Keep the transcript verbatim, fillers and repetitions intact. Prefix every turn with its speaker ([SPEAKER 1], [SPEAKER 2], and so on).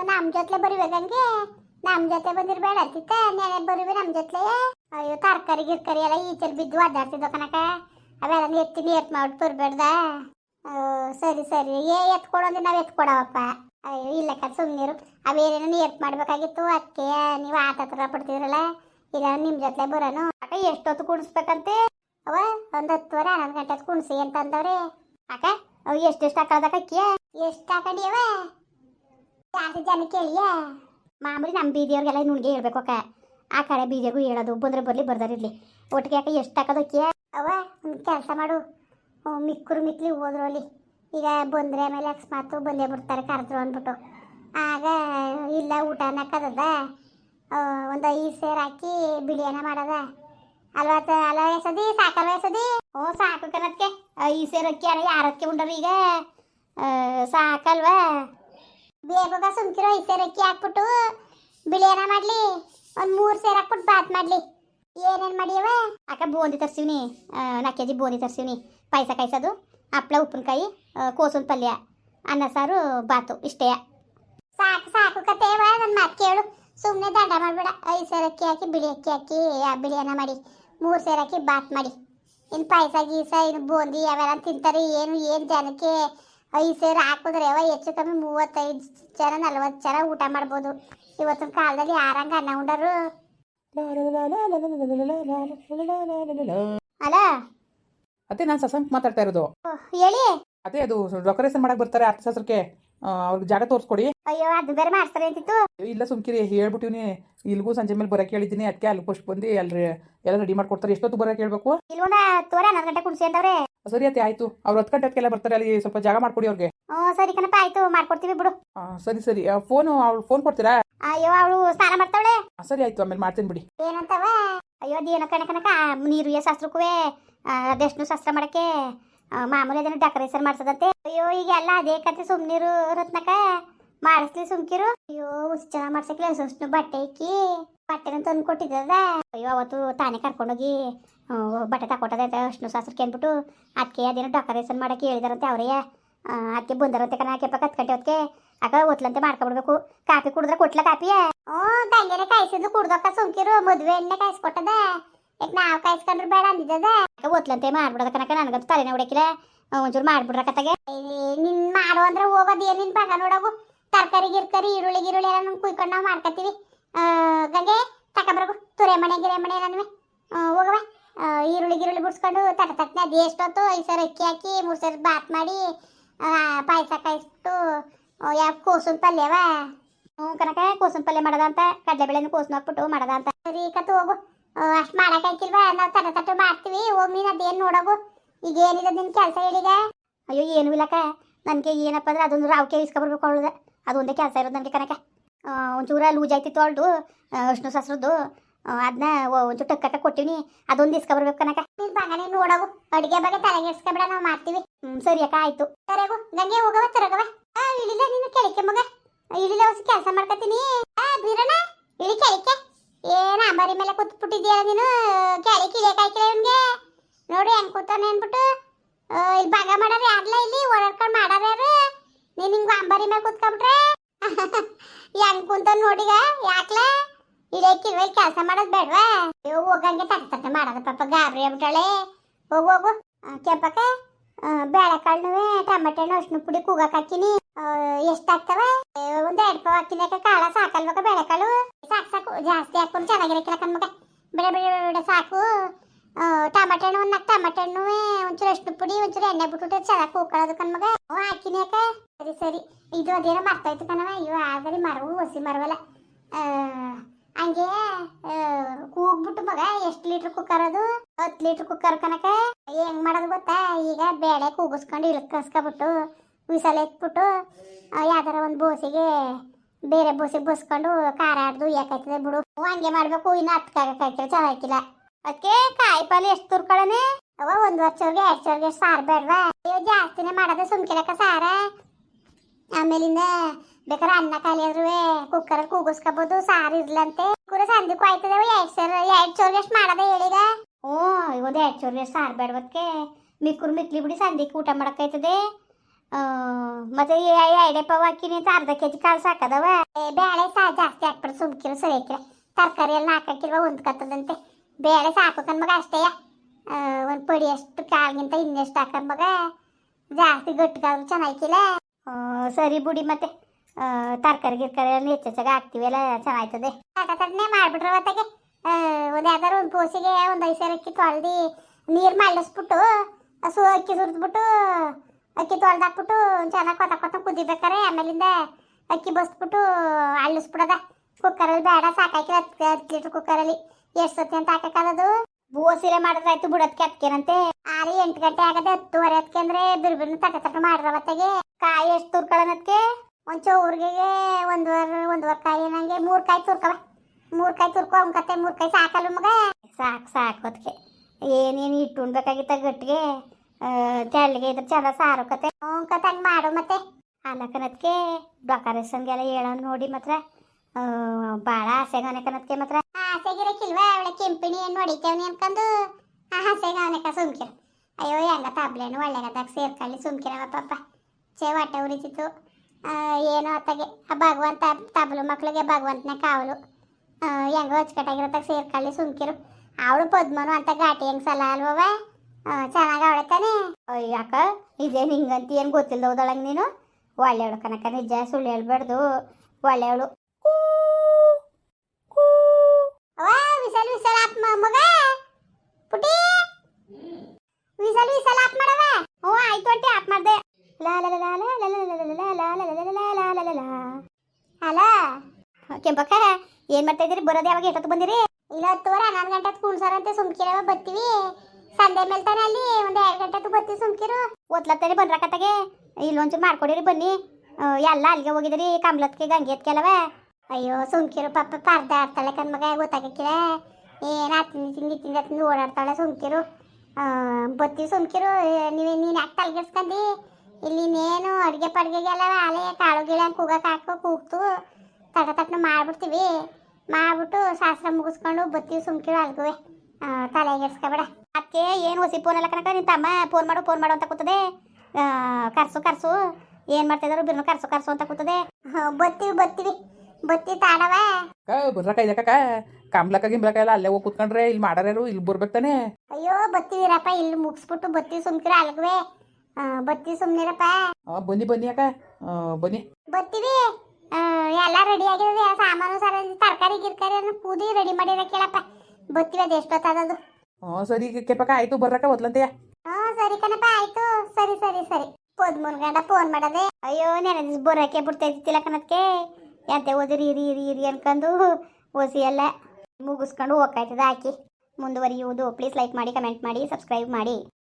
[SPEAKER 1] ನಮ್ಮ ಜೊತೆ ಬರಿಬೇಕಂಗೆ ನಮ್ಮ ಜೊತೆ ಬಂದಿರಬೇಡ ಅಂತಿತ್ತ ನೆನೆ ಬರಿಬೇ ನಮ್ಮ ಜೊತೆ. ಅಯ್ಯೋ ತರಕಾರಿ ಗಿರ್ಕಾರಿ ಎಲ್ಲ ಈಚೆಲ್ ಬಿದ್ದು ಅಡ್ಡಾಡ್ತಿದ್ದೋ ಕನಕ, ಅವೆಲ್ಲ ಎತ್ತಿ ಎತ್ ಮಾಡಿ ತರಬೇಡ್ದ. ಸರಿ ಸರಿ ಏ ಎತ್ಕೊಡೋದು ನಾವು ಎತ್ಕೊಡವಪ್ಪ. ಅಯ್ಯೋ ಇಲ್ಲ ಕರ್ ಸುಮ್ಮನಿರು, ಅವೇನೇನೋ ನೀ ಎತ್ ಮಾಡ್ಬೇಕಾಗಿತ್ತು ಅದಕ್ಕೆ ನೀವು ಆಟ ಹತ್ರ ಪಡ್ತಿದ್ರಲ್ಲ, ಇಲ್ಲ ನಿಮ್ಮ ಜೊತೆ ಬರೋನು. ಅಕ್ಕ ಎಷ್ಟೊತ್ತು ಕುಣಿಸ್ಬೇಕಂತೆ? ಅವ ಒಂದು ಹತ್ತುವರೆ ಹನ್ನೊಂದು ಗಂಟೆ ಕುಣಿಸಿ ಅಂತ ಅಂದವ್ರೆ. ಅಕ್ಕ ಅವು ಎಷ್ಟೆಷ್ಟು ಹಾಕೋದಕ್ಕಿ ಎಷ್ಟು ಹಾಕೊಂಡಿಯವ ಜಾಸ್ತಿ ಜನ ಕೇಳಿಯ? ಮಾಮೂಲಿ ನಮ್ಮ ಬೀದಿಯವ್ರಿಗೆಲ್ಲ ನುಣ್ಗೆ ಹೇಳ್ಬೇಕು ಅಕ್ಕ, ಆ ಕಡೆ ಬೀದಿಯವ್ರಿಗೂ ಹೇಳೋದು, ಬಂದ್ರೆ ಬರಲಿ ಬರ್ದಾರಿರ್ಲಿ ಒಟ್ಟಿಗೆ. ಅಕ್ಕ ಎಷ್ಟು ಹಾಕೋದಕ್ಕಿ? ಅವ ಒಂದು ಕೆಲಸ ಮಾಡು, ಮಿಕ್ಕರು ಮಿಕ್ಲಿ ಹೋದ್ರು ಅಲ್ಲಿ, ಈಗ ಬಂದರೆ ಆಮೇಲೆ ಅಕಸ್ಮಾತು ಬಂದೇ ಬಿಡ್ತಾರೆ ಕರೆದ್ರು ಅಂದ್ಬಿಟ್ಟು, ಆಗ ಇಲ್ಲ ಊಟ ಅನ್ನಕ್ಕದ ಒಂದು ಐದು ಸೇರು ಹಾಕಿ ಬಿಳಿಯನ್ನ ಮಾಡೋದ ಅಲ್ವಾ? ಅಲ್ಲ ಎಸದಿ ಸಾಕಲ್ವ ಎಸದಿ? ಹ್ಞೂ ಸಾಕು ಕನಕ್ಕೆ ಐದು ಸೇರು ಅಕ್ಕಿ ಅಲ್ಲ ಯಾರಕ್ಕೆ ಉಂಡ್ರಿ ಈಗ ಸಾಕಲ್ವಾ? ಬೇಗ ಸುಮ್ಕಿರೋ ಐದು ಸೇರು ಅಕ್ಕಿ ಹಾಕ್ಬಿಟ್ಟು ಬಿಳಿಯನ್ನ ಮಾಡಲಿ, ಒಂದು ಮೂರು ಸೇರು ಹಾಕ್ಬಿಟ್ಟು ಬಾತ್ ಮಾಡಲಿ. ಏನೇನು ಮಾಡಿಯವ? ಅಕ್ಕ ಬೂಂದಿ ತರ್ಸಿವ್ನಿ, ನಾಲ್ಕು ಕೆ ಜಿ ಬೂಂದಿ ತರ್ಸಿವ್ನಿ, ಪಾಯಸ ಕಾಯಿಸೋದು, ಹಪ್ಳ ಉಪ್ಪಿನಕಾಯಿ, ಕೋಸನ್ ಪಲ್ಯ, ಅನ್ನ ಸಾರು, ಬಾತು ಇಷ್ಟೇ. ಸಾಕು ಸಾಕು ಕತೆವ, ನನ್ನ ಮಾತು ಕೇಳು, ಸುಮ್ಮನೆ ದಂಡ ಮಾಡಬೇಡ. ಐದು ಸೇರು ಅಕ್ಕಿ ಹಾಕಿ ಬಿಳಿ ಅಕ್ಕಿ ಹಾಕಿ ಬಿಳಿಯನ್ನ ಮಾಡಿ, ಮೂರು ಸೇರು ಹಾಕಿ ಬಾತ್ ಮಾಡಿ. ಇನ್ನು ಪಾಯಸ ಗೀಸ ಇನ್ನು ಬೂಂದಿ ಅವೆಲ್ಲ ತಿಂತಾರೆ ಏನು? ಏನು ಜನಕ್ಕೆ ಐದು ಸೇರು ಹಾಕಿದ್ರೆ ಅವ ಹೆಚ್ಚು ಕಮ್ಮಿ ಮೂವತ್ತೈದು ಜನ ನಲ್ವತ್ತು ಜನ ಊಟ ಮಾಡ್ಬೋದು. ಇವತ್ತಿನ ಕಾಲದಲ್ಲಿ ಯಾರಂಗ ಅನ್ನ ಉಂಡರು ಅಲ್ಲ?
[SPEAKER 2] ಅದೇ ನಾನು ಸಸಂಕ್ ಮಾತಾಡ್ತಾ ಇರೋದು.
[SPEAKER 1] ಹೇಳಿ.
[SPEAKER 2] ಅದೇ ಅದು ಡೆಕೋರೇಷನ್ ಮಾಡಕ್ ಬರ್ತಾರೆ ಅರ್ಥಶಾಸ್ತ್ರಕ್ಕೆ, ಅವ್ರಿಗೆ ಜಾಗ ತೋರಿಸ್ಕೊಡಿ.
[SPEAKER 1] ಅಯ್ಯೋ ಅದು ಬೇರೆ ಮಾಡ್ತಾರೆ ಅಂತಿತ್ತು.
[SPEAKER 2] ಇಲ್ಲ ಸುಮ್ಕಿರಿ, ಹೇಳ್ಬಿಟ್ಟಿವ್ನಿ. ಇಲ್ಗೂ ಸಂಜೆ ಮೇಲೆ ಬರಕ್ಕೆ ಹೇಳಿದ್ದೀನಿ, ಅದಕ್ಕೆ ಅಲ್ಲಿ ಫಸ್ಟ್ ಬಂದು ಎಲ್ರಿ ಎಲ್ಲ ರೆಡಿ ಮಾಡ್ಕೊಡ್ತಾರೆ. ಎಷ್ಟೊತ್ತು ಬರಕ್ಕೆ ಹೇಳ್ಬೇಕು?
[SPEAKER 1] ಇಲ್ವೊಂದ ತೋರ ಹನ್ನೊಂದು ಗಂಟೆ ಕುಡಿಸಿ ಅಂತವ್ರೆ.
[SPEAKER 2] ಸರಿ ಅತ್ತೆ ಆಯ್ತು, ಅವ್ರು ಹತ್ತು ಗಂಟೆಗೆಲ್ಲ ಬರ್ತಾರೆ, ಅಲ್ಲಿ ಸ್ವಲ್ಪ ಜಾಗ ಮಾಡ್ಕೊಡಿ ಅವ್ರಿಗೆ.
[SPEAKER 1] ಹ್ಞೂ ಸರಿ ಕಣಪ್ಪ ಆಯ್ತು, ಮಾಡ್ಕೊಡ್ತೀವಿ ಬಿಡು.
[SPEAKER 2] ಸರಿ ಸರಿ ಫೋನು ಅವ್ಳು ಫೋನ್ ಕೊಡ್ತೀರಾ?
[SPEAKER 1] ಅಯ್ಯೋ ಅವಳು ಸ್ನಾನ ಮಾಡ್ತಾವಳೆ.
[SPEAKER 2] ಸರಿ ಆಯ್ತು, ಆಮೇಲೆ ಮಾಡ್ತೀನಿ ಬಿಡಿ.
[SPEAKER 1] ಏನಂತವ? ಅಯ್ಯೋ ಅದೇನೋ ಕಣ ಕನಕ ನೀರು ಶಾಸ್ತ್ರಕ್ಕೂ ಅದೆಷ್ಟು ಶಾಸ್ತ್ರ ಮಾಡಕ್ಕೆ ಮಾಮೂಲಿ ಅದನ್ನು ಡೆಕೋರೇಷನ್ ಮಾಡ್ಸದಂತೆ. ಅಯ್ಯೋ ಈಗ ಎಲ್ಲ ಅದೇ ಕತೆ, ಸುಮ್ನೀರು ರತ್ನಕ ಮಾಡಿಸ್ಲಿ ಸುಮ್ಕಿರು. ಅಯ್ಯೋ ಉಸ್ ಚೆನ್ನಾಗಿ ಮಾಡ್ಸಕ್ಲಿ ಅಷ್ಟು ಬಟ್ಟೆ ಇಕ್ಕಿ ಬಟ್ಟೆನ ತಂದು ಕೊಟ್ಟಿದ್ದದ. ಅಯ್ಯೋ ಅವತ್ತು ತಾನೇ ಕರ್ಕೊಂಡೋಗಿ ಬಟ್ಟೆ ತಕೊಟ್ಟದೈತೆ ಅಷ್ಟು ಶಾಸ್ತ್ರಕ್ಕೆ ಅಂದ್ಬಿಟ್ಟು, ಅದಕ್ಕೆ ಅದೇನೋ ಡೆಕೋರೇಷನ್ ಮಾಡಕ್ಕೆ ಹೇಳಿದಾರಂತೆ ಅವರೇ. ಅದಕ್ಕೆ ಬಂದರಂತೆ ಕಣ, ಕೆಪ್ಪ ಹತ್ತು ಗಂಟೆ ಹೊತ್ತಿಗೆ ಆಗ ಒತ್ಲಂತೆ ಮಾಡ್ಕೊಬಿಡ್ಬೇಕು. ಕಾಫಿ ಕುಡಿದ್ರೆ ಕೊಟ್ಲ ಕಾಫಿ? ಹ್ಞೂ ಗಂಗೆನೆ ಕಾಯಿಸಿದ್ದು ಕುಡ್ದಕ್ಕ ಸುಮ್ಕಿರು, ಮದುವೆ ಎಣ್ಣೆ ಕಾಯಿಸ್ಕೊಟ್ಟದ, ಯಾಕೆ ನಾವು ಕಾಯಿಸ್ಕೊಂಡ್ರು ಬೇಡ ಅಂದಿದ್ದದ. ಒತ್ಲಂತೆ ಮಾಡ್ಬಿಡೋದ ಕನಕ, ನನಗಂತೂ ತಲೆನೇ ಹೊಡಕಿಲ್ಲ, ಒಂಚೂರು ಮಾಡ್ಬಿಡ್ರ ಕತೆಗೆ. ನಿನ್ ಮಾಡು ಅಂದ್ರೆ ಹೋಗೋದು ಏನು ನಿನ್ ಭಾಗ ನೋಡೋಗು. ತರಕಾರಿ ಗಿರ್ಕಾರಿ ಈರುಳ್ಳಿ ಗಿರುಳ್ಳಿ ಎಲ್ಲ ನಮ್ಗೆ ಕುಯ್ಕೊಂಡು ನಾವು ಮಾಡ್ಕೊತೀವಿ. ಗಂಗೆ ತಕೊಂಬರಗು, ತುರೆ ಮನೆ ಗಿರೆ ಮನೆ ನನ್ವೆ ಹೋಗವ. ಈರುಳ್ಳಿ ಗಿರುಳ್ಳಿ ಬಿಡ್ಸ್ಕೊಂಡು ತಟ ತಟ್ಟನೆ ಅದು ಎಷ್ಟೊತ್ತು ಐದು ಸೇರು ಅಕ್ಕಿ ಹಾಕಿ ಮೂರು ಸೇರು ಬಾತ್ ಮಾಡಿ ಪಾಯಸ ಕಾಯಿಸ್ಬಿಟ್ಟು ಯಾವ ಕೋಸನ್ ಪಲ್ಯವ. ಹ್ಞೂ ಕನಕ ಕೋಸನ್ ಪಲ್ಯ ಮಾಡೋದ ಅಂತ, ಕಡಲೆಬೇಳೆನ ಕೋಸನ್ ಹಾಕ್ಬಿಟ್ಟು ಮಾಡೋದ ಅಂತ. ಸರಿ ಕತ್ತು ಹೋಗು, ಅಷ್ಟು ಮಾಡಕ್ಕೆ ಹಾಕಿಲ್ವಾ? ನಾವು ತಟ ತಟ್ಟು ಮಾಡ್ತೀವಿ, ಹೋಗಿ ನೀನು ಅದೇನು ನೋಡೋಗು. ಈಗ ಏನಿದೆ ನಿನ್ನ ಕೆಲಸ ಹೇಳಿದ? ಅಯ್ಯೋ ಏನೂ ಇಲ್ಲಕ್ಕ, ನನಗೆ ಏನಪ್ಪ ಅಂದ್ರೆ ಅದೊಂದು ರಾವ್ಕೆ ಇಸ್ಕೊಬರ್ಬೇಕು ಅವಳದ, ಅದು ಒಂದೇ ಕೆಲಸ ಇರೋದು ನನಗೆ ಕನಕ. ಒಂಚೂರ ಲೂಜ್ ಆಯ್ತಿತ್ತು ಅವಳದು ಅಷ್ಟು ಸಸ್ರದ್ದು, ಅದನ್ನ ಒಂಚೂರು ಟಕ್ಕಕ್ಕ ಕೊಟ್ಟಿನಿ, ಅದೊಂದು ಇಸ್ಕೊಬರ್ಬೇಕು ಕನಕ. ನಿನ್ನ ಭಾಗನೇ ನೋಡೋಗು, ಅಡುಗೆ ಬಗ್ಗೆ ತಲೆಗೆ ಇಸ್ಕೊಬೇಡ, ನಾವು ಮಾಡ್ತೀವಿ. ಹ್ಞೂ ಸರಿ ಅಕ್ಕ ಆಯ್ತು. ತರಗು ಗಂಗೆ ಹೋಗವ ತರಗವ. ಇಳಿಲ್ಲ ನೀನು ಕೆಳಕ್ಕೆ ಮಗ, ಇಳಿಲ್ಲ ಹೊಸ ಕೆಲಸ ಮಾಡ್ಕೊತೀನಿ. ಬೀರಣ್ಣ ಇಳಿ ಕೆಳಕ್ಕೆ. ಏನ ಅಂಬಾರಿ ಮೇಲೆ ಕೂತ್ಬಿಟ್ಟಿದ್ಯಾ ನೀನು? ಕೆಳಕ್ಕೆ ಇಳಿಯಕಾಯ್ಕಿಲ್ಲ ಇವನ್ಗೆ ನೋಡಿ ಹೆಂಗ್ ಕೂತಾನೆ ಅನ್ಬಿಟ್ಟು. ಇಲ್ಲಿ ಭಾಗ ಮಾಡಾರ ಯಾರ್ಲ, ಇಲ್ಲಿ ಓಡಾಡ್ಕೊಂಡು ಮಾಡಾರ ಯಾರು? ನೀನು ಹಿಂಗೆ ಅಂಬಾರಿ ಮೇಲೆ ಕೂತ್ಕೊಂಡ್ಬಿಟ್ರೆ ಹೆಂಗ್ ಕುಂತ ನೋಡಿಗ, ಯಾಕ್ಲ ಇಳಿಯಕ್ಕಿಲ್ವ? ಇಲ್ಲಿ ಕೆಲಸ ಮಾಡೋದು ಬೇಡವಾ? ಅಯ್ಯೋ ಹೋಗಂಗೆ ತಟ್ಟೆ ತಟ್ಟೆ ಮಾಡೋದು ಪಾಪ, ಗಾಬರಿ ಆಗ್ಬಿಟ್ಟಾಳೆ. ಹೋಗು ಹೋಗು. ಕೆಂಪಕ್ಕ ಬೇಳೆಕಾಳು ಟೊಮೆಟೊ ಹಣ್ಣು ಅರ್ಶಿನ ಪುಡಿ ಕೂಗಕ್ಕೆ ಹಾಕಿನಿ. ಎಷ್ಟಾಗ್ತವ? ಒಂದು ಎರಡು ಪಾವ್ ಹಾಕಿನಾಕ ಕಾಳ ಸಾಕಲ್ವಕ್ಕ ಬೇಳೆಕಾಳು? ಸಾಕು ಸಾಕು, ಜಾಸ್ತಿ ಹಾಕೊಂಡು ಚೆನ್ನಾಗಿರಕ್ಕಿಲ್ಲ ಕಣ್ಮಗ, ಬೇಡ ಬೇಡ ಬೇಡ ಸಾಕು. ಟೊಮೆಟೊ ಹಣ್ಣು ಒಂದು ನಾಲ್ಕು ಟೊಮೆಟೊ ಹಣ್ಣು, ಒಂಚೂರು ಅರ್ಶಿನ ಪುಡಿ, ಒಂಚೂರು ಎಣ್ಣೆ ಬಿಟ್ಬಿಟ್ಟು ಚೆನ್ನಾಗಿ ಕೂಕೊಳ್ಳೋದು ಕಣ್ಮಗ. ಹ್ಞೂ ಹಾಕಿನಾಕ. ಸರಿ ಸರಿ, ಇದು ಅದೇನೋ ಮರ್ತಾಯ್ತು ಕಣವ. ಅಯ್ಯೋ ಆಗಲಿ ಮರವು ಹಸಿ ಮರವಲ್ಲ. ಹಂಗೆ ಕೂಗ್ಬಿಟ್ಟು ಮಗ, ಎಷ್ಟು ಲೀಟ್ರ್ ಕುಕ್ಕರ್ ಅದು? ಹತ್ತು ಲೀಟ್ರ್ ಕುಕ್ಕರ್ ಕನಕ. ಹೆಂಗ್ ಮಾಡೋದು ಗೊತ್ತಾ? ಈಗ ಬೇಳೆ ಕೂಗಿಸ್ಕೊಂಡು ಇಳಕ್ ಕಸ್ಕೊಬಿಟ್ಟು ವಿಸಲ್ ಎತ್ಬಿಟ್ಟು ಯಾವ್ದಾರ ಒಂದು ಬೋಸಿಗೆ ಬೇರೆ ಬೋಸಿಗೆ ಬಸ್ಕೊಂಡು ಖಾರ ಆಡ್ದು ಯಾಕಾಯ್ತದೆ ಬಿಡು. ಹಂಗೆ ಮಾಡ್ಬೇಕು, ಇನ್ನು ಹತ್ಕಾಗಕ್ಕಾಯ್ತಿಲ್ಲ, ಚೆನ್ನಾಗಿಲ್ಲ. ಅದಕ್ಕೆ ಕಾಯಿ ಪಾಲು ಎಷ್ಟು ತುರ್ಕೊಳ್ಳೋನೆ ಅವ? ಒಂದು ವರ್ಷವ್ರಿಗೆ ಎರಡು ಸಾವಿರಗೆ ಸಾರು ಬೇಡವಾ? ಅಯ್ಯೋ ಜಾಸ್ತಿನೇ ಮಾಡೋದು ಸುಮ್ಕಿಲಕ್ಕ ಸಾರ. ಆಮೇಲಿಂದ ಬೇಕಾದ್ರೆ ಅನ್ನ ಖಾಲಿ ಆದ್ರೂ ಕುಕ್ಕರಲ್ಲಿ ಕೂಗಿಸ್ಕೋಬೋದು, ಸಾರು ಇರ್ಲಂತೆ. ಕೂರ ಸಂದಿಕ್ಕೂ ಆಯ್ತದೆ ಎರಡು ಸಾವಿರ ಎರಡು ಸಾವಿರ ಎಷ್ಟು ಮಾಡೋದ ಹೇಳಿಗ? ಹ್ಞೂ ಒಂದು ಎರಡು ಸಾವಿರ ಎಷ್ಟು ಸಾರು ಬೇಡವಕ್ಕೆ ಮಿಕ್ಕರು ಮಿಕ್ಲಿ ಬಿಡಿ, ಸಂದಿಕ್ಕೆ ಊಟ ಮಾಡೋಕ್ಕಾಯ್ತದೆ. ಮತ್ತೆ ಐಡೆ ಪಾವ್ ಹಾಕಿನಿ ಅಂತ ಅರ್ಧ ಕೆ ಜಿ ಕಾಳು ಸಾಕದವ. ಬೇಳೆ ಸಹ ಜಾಸ್ತಿ ಹಾಕ್ಬಿಡು ಸುಮ್ಕಿರು ಸರಿ ಹಾಕಿರ. ತರಕಾರಿ ಎಲ್ಲ ಹಾಕಕ್ಕಿಲ್ವ ಹೊಂದ್ಕತ್ತದಂತೆ. ಬೇಳೆ ಸಾಕು ಕಣ್ಮಗ ಅಷ್ಟೇ. ಒಂದು ಪಡಿ ಅಷ್ಟು ಕಾಳಿಗಿಂತ ಇನ್ನೆಷ್ಟು ಹಾಕನ್ ಮಗ. ಜಾಸ್ತಿ ಗಟ್ಟಿಗಾದ್ರು ಚೆನ್ನಾಗಿಲ್ಲ. ಸರಿ ಬುಡಿ ಮತ್ತೆ ತರಕಾರಿ ಗಿರ್ಕಾರಿ ಎಲ್ಲ ಹೆಚ್ಚೆಚ್ಚಾಗ ಹಾಕ್ತಿವೆಲ್ಲ ಚೆನ್ನಾಗ್ತದೆ. ತಟನೆ ಮಾಡ್ಬಿಟ್ರೆ ಅವತ್ತಾಗೆ ಒಂದು ಯಾವ್ದಾರು ಒಂದು ಪೋಸಿಗೆ ಒಂದು ಐದು ಸೇರು ಅಕ್ಕಿ ತೊಳ್ದು ನೀರು ಮಳ್ಳಿಸ್ಬಿಟ್ಟು ಹಸು ಅಕ್ಕಿ ಸುರಿದ್ಬಿಟ್ಟು ಅಕ್ಕಿ ತೊಳ್ದು ಹಾಕ್ಬಿಟ್ಟು ಚೆನ್ನಾಗಿ ಕೊತ್ತ ಕೊತ್ತ ಕುದಿಬೇಕಾರೆ ಆಮೇಲಿಂದ ಅಕ್ಕಿ ಬಸ್ಬಿಟ್ಟು ಅಳ್ಳಿಸ್ಬಿಡೋದ. ಕುಕ್ಕರಲ್ಲಿ ಬೇಡ ಸಾಕಾಕಿ ಹತ್ತು ಹತ್ತು ಲೀಟ್ರ್ ಕುಕ್ಕರಲ್ಲಿ ಎಷ್ಟು ಸತಿ ಅಂತ ಹಾಕಕ್ಕಾಗದು. ಬೋಸಿಲೆ ಮಾಡಿದ್ರಾಯ್ತು ಬಿಡೋದಕ್ಕೆ ಅದಕ್ಕೇನಂತೆ. ಆರು ಎಂಟು ಗಂಟೆ ಆಗದೆ ಹತ್ತುವರೆ ಅದಕ್ಕೆ ಅಂದ್ರೆ ಬಿರು ಬಿರು ತಟ ತಟ ಮಾಡ್ರ ಅವತ್ತಾಗೆ. ಕಾಯಿ ಎಷ್ಟು ತುರ್ಕೊಳ್ಳೋದಕ್ಕೆ ಒಂದು ಚೌರ್ಗೆ ಒಂದುವರೆ ಒಂದುವರೆ ಕಾಯಿ ನಂಗೆ ಮೂರು ಕಾಯಿ ತುರ್ಕವ. ಮೂರು ಕಾಯಿ ತುರ್ಕೊ ಅವ್ನ ಕತೆ ಮೂರು ಕಾಯಿ ಸಾಕಲ್ಲ ಮಗ. ಸಾಕು ಸಾಕು ಅದಕ್ಕೆ ಏನೇನು ಇಟ್ಟು ಉಣ್ಬೇಕಾಗಿತ್ತ ಗಟ್ಟಿಗೆ ತೆಳ್ಳಿಗೆ ಇದ್ರೆ ಚಂದ ಸಾರು ಕತೆ ಅವ್ನ ಕತೆ ಹಂಗೆ ಮಾಡು ಮತ್ತೆ. ಅಲ್ಲಕ್ಕನದಕ್ಕೆ ಡೆಕೋರೇಷನ್ಗೆಲ್ಲ ಹೇಳೋಣ ನೋಡಿ ಮಾತ್ರ ಭಾಳ ಆಸೆಗಾನೆ ಕನದಕ್ಕೆ ಮಾತ್ರ. ಆಸೆಗಿರಕ್ಕಿಲ್ವಾ ಅವಳೆ ಕೆಂಪಿಣಿ ಏನು ಹೊಡಿತೇವನಿ ಅನ್ಕೊಂಡು ಆ ಆಸೆಗಾವನೆಕ ಸುಮ್ಕಿರ. ಅಯ್ಯೋ ಹೆಂಗ ತಬ್ಲೇನು ಒಳ್ಳೆಗದಾಗ ಸೇರ್ಕೊಳ್ಳಿ ಸುಮ್ಕಿರವ ಪಾಪ. ಚೇ ಹೊಟ್ಟೆ ಉರಿತಿತ್ತು. ಏನೋ ಅತ್ತಾಗೆ ಆ ಭಗವಂತ ತಬಲು ಮಕ್ಳಿಗೆ ಭಗವಂತನೇ ಕಾವಲು. ಹೆಂಗೋ ಅಚ್ಚುಕಟ್ಟಾಗಿರೋದಾಗ ಸೇರ್ಕೊಳ್ಳಿ ಸುಮ್ಕಿರು. ಅವಳು ಪದ್ಮನು ಅಂತ ಘಾಟಿ ಹೆಂಗ್ ಸಲ ಅಲ್ವವ. ಚೆನ್ನಾಗಿ ಅವಳೆ ತಾನೆ. ಯಾಕ ಇದೇನು ಹಿಂಗಂತ ಏನು ಗೊತ್ತಿಲ್ಲದವಳಂಗೆ ನೀನು. ಒಳ್ಳೆಯವಳು ಕನಕ ನಿಜ ಸುಳ್ಳು ಹೇಳ್ಬಾರ್ದು. ಒಳ್ಳೆಯವಳು. ವಿಸಲ್ ವಿಸಲ್ ಆಪ್ ಮಗ ಪುಟಿ ವಿಸಲ್ ವಿಸಲ್ ಆಪ್ ಮಾಡವ. ಹ್ಞೂ ಆಯ್ತು ಅಂಟಿ ಆಪ್ ಮಾಡ್ದೆ. ಅಲ್ಲ ಕೆಂಪಕ್ಕ ಏನ್ ಮಾಡ್ತಾ ಇದ್ದೀರಿ? ಬರೋದು ಯಾವಾಗ ಎಷ್ಟೊತ್ತು ಬಂದಿರಿ? ಇಲ್ಲ ಹತ್ತುವರೆ ಹನ್ನೊಂದು ಗಂಟೆ ಕುಣ್ಸಾರಂತೆ ಸುಮ್ಕಿರವ ಬರ್ತೀವಿ. ಸಂಡೆ ಮೇಲೆ ತಾನೆ ಅಲ್ಲಿ ಒಂದು ಎರಡು ಗಂಟೆ ಬರ್ತೀವಿ ಸುಮ್ಕಿರು. ಓದ್ಲತ್ತೇನೆ ಬಂದ್ರಕತ್ತಾಗೆ ಇಲ್ಲೊಂಚೂರು ಮಾಡ್ಕೊಡಿರಿ ಬನ್ನಿ. ಎಲ್ಲ ಅಲ್ಲಿಗೆ ಹೋಗಿದ್ರಿ ಕಮ್ಲತ್ಗೆ ಗಂಗೆತ್ಕೆಲ್ಲವ. ಅಯ್ಯೋ ಸುಮ್ಕಿರು ಪಾಪ ಪರ್ದ ಆಡ್ತಾಳೆ ಕಣ್ಮಗ ಗೊತ್ತಾಗಕ್ಕಿಲ್ಲ. ಏನು ಹತ್ತಿನ ತಿಂದು ತಿಂದ ತಿಂದು ಓಡಾಡ್ತಾಳೆ ಸುಮ್ಕಿರು. ಬತ್ತೀವಿ ಸುಮ್ಕಿರು. ನೀವೇ ನೀನು ಯಾಕೆ ತಲೆಗೆಡ್ಸ್ಕೊಂಡಿ? ಇಲ್ಲಿ ಇನ್ನೇನು ಅಡುಗೆ ಪಡ್ಗೆಗೆಲ್ಲ ಆಲೆ ಕಾಳು ಗಿಳ ಕೂಗಕ್ಕೆ ಹಾಕೋ ಕೂಗ್ತು ತಟ ತಟ್ಟನ ಮಾಡ್ಬಿಡ್ತೀವಿ. ಮಾಡ್ಬಿಟ್ಟು ಶಾಸ್ತ್ರ ಮುಗಿಸ್ಕೊಂಡು ಬತ್ತೀವಿ ಸುಮ್ಕಿರು ಅಲ್ಗುವೆ. ತಲೆಗೆಡ್ಸ್ಕೊಬೇಡ. ಅದಕ್ಕೆ ಏನು ಹೊಸಿ ಫೋನ್ ಎಲ್ಲ ಕನಕ ನಿನ್ನ ತಮ್ಮ ಫೋನ್ ಮಾಡು ಫೋನ್ ಮಾಡು ಅಂತ ಕೂತದೆ. ಕರ್ಸು ಕರ್ಸು ಏನು ಮಾಡ್ತಿದ್ರು ಬಿರ್ನು ಕರ್ಸು ಕರ್ಸು ಅಂತ ಕೂತದೆ. ಬತ್ತೀವಿ ಬತ್ತೀವಿ ಬತ್ತಿ ತಾಡವ
[SPEAKER 2] ಬರ್ರಕ್ಕ ಇದಕ್ಕ ಕಾಮ್ಲಕ್ಕ ಗಿಮ್ಲಕ್ಕ ಎಲ್ಲ ಅಲ್ಲೇ ಹೋಗಿ ಕೂತ್ಕೊಂಡ್ರೆ ಇಲ್ಲಿ ಮಾಡಾರು ಇಲ್ಲಿ ಬರ್ಬೇಕು ತಾನೆ.
[SPEAKER 1] ಅಯ್ಯೋ ಬತ್ತೀವಿರಪ್ಪ ಇಲ್ಲಿ ಮುಗಿಸ್ಬಿಟ್ಟು ಬತ್ತೀವಿ ಸುಮ್ಕಿರ ಅಲ್ಗುವೆ. ಬತ್ತಿ ಸುಮ್ನಿರಪ್ಪ.
[SPEAKER 2] ಬನ್ನಿ ಬನ್ನಿ ಅಕ್ಕ ಬನ್ನಿ
[SPEAKER 1] ಬತ್ತೀವಿ. ಎಲ್ಲ ರೆಡಿ ಆಗಿದೆ ಸಾಮಾನು ಸರ ತರಕಾರಿ ಗಿರ್ಕಾರಿ ಅನ್ನು ಕೂದಿ ರೆಡಿ ಮಾಡಿರ ಕೇಳಪ್ಪ. ಬತ್ತೀವಿ ಅದು ಎಷ್ಟೊತ್ತದದು.
[SPEAKER 2] ಹ್ಞೂ ಸರಿ ಕೆಪಕ್ಕ ಆಯ್ತು ಬರ್ರಕ್ಕ ಒದ್ಲಂತೆಯ.
[SPEAKER 1] ಹ್ಞೂ ಸರಿ ಕಣಪ್ಪ ಆಯ್ತು. ಸರಿ ಸರಿ ಸರಿ ಪದ್ಮೂರು ಗಂಡ ಫೋನ್ ಮಾಡದೆ. ಅಯ್ಯೋ ನೆನೆ ಬರೋಕೆ ಬಿಡ್ತಾ ಇದ್ದಿಲ್ಲ ಕಣಕ್ಕೆ. ಎಂತೆ ಓದಿರಿ ಇರಿ ಇರಿ ಇರಿ ಅನ್ಕೊಂಡು ಓಸಿ ಎಲ್ಲ ಮುಗಿಸ್ಕೊಂಡು ಹೋಗ್ತಾಯ್ತದ ಹಾಕಿ ಮುಂದುವರಿಯುವುದು. ಪ್ಲೀಸ್ ಲೈಕ್ ಮಾಡಿ ಕಮೆಂಟ್ ಮಾಡಿ ಸಬ್ಸ್ಕ್ರೈಬ್ ಮಾಡಿ.